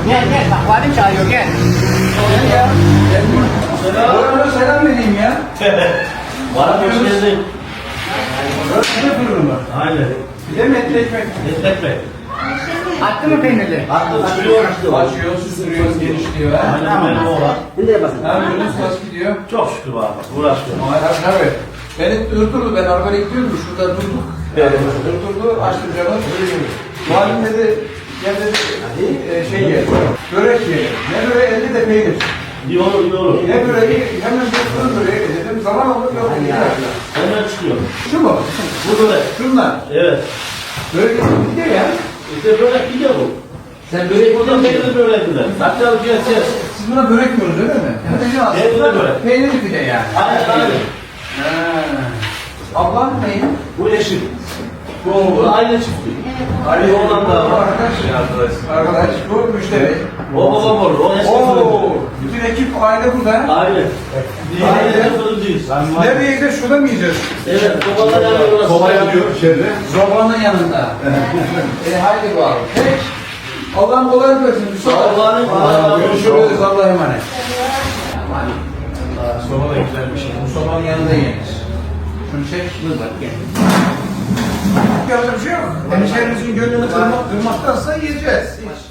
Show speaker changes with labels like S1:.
S1: Gel gel bak valim çağırıyor gel.
S2: Gel ya. Bana selam vereyim ya.
S3: Bana hoş geldin.
S2: Burası ne fırını?
S3: Aynen.
S2: Bir de metli ekmek.
S3: Destekle.
S1: Attı mı peynirli?
S3: Attı sürüyor işte.
S2: Açıyor, süsürüyoruz, genişliyor. Ha?
S3: Aynen benim oğlan.
S2: Ne yapıyorsunuz? Nasıl gidiyor?
S3: Çok şükür baba. Uğraşıyorum.
S2: Tabii. Beni durdurdu. Ben arabaya gidiyordum. Şurada durduk. Durdurdu. Açtım camı. Muhallim dedi. Gel dedi. Şey ye. Börek ye. Ne böreği? 50 de peynir.
S3: İyi olur, iyi olur.
S2: Ne böreği? Hemen bir fırın böreği dedim. Zaman olur yok.
S3: Hemen çıkıyor.
S2: Şu mu?
S3: Bu böyle.
S2: Şunlar.
S3: Evet.
S2: Börek gidiyor ya.
S3: İşte böyle gidiyor bu.
S1: Sen börek
S3: Buradan peynirli böyle gider. Hatta bir şey.
S2: Siz buna börek diyorsunuz öyle mi?
S3: Peynirli börek.
S2: Peynirli pide yani.
S3: Aynen aynen.
S2: Ablam neyim?
S3: Bu eşit. Bu aile çifti. Ali oğlan da
S2: Bu
S3: var.
S2: arkadaş bu müşteri.
S3: O babam olur. O eski
S2: Oo,
S3: fırıncı.
S2: bütün ekip aile burada.
S3: Aynen. Aile fırıncıyız.
S2: Nereye gideceğiz? Şurada mı yiyeceğiz?
S3: Evet. Babalar yanıyor orası.
S2: Soba yanıyor içeride. Zobanın yanında. Haydi bu abi. Peki. Allah'ım kolaylık versin.
S3: Allah'ın
S2: Görüşürüz. Allah'a emanet. Soba da güzel bir şey. Bu sobanın yanında yenir. Şunu çek.
S1: Dur bak gel.
S2: Yapacak bir şey yok. Hemşehrimizin gönlünü kırmaktansa yiyeceğiz. Hiç.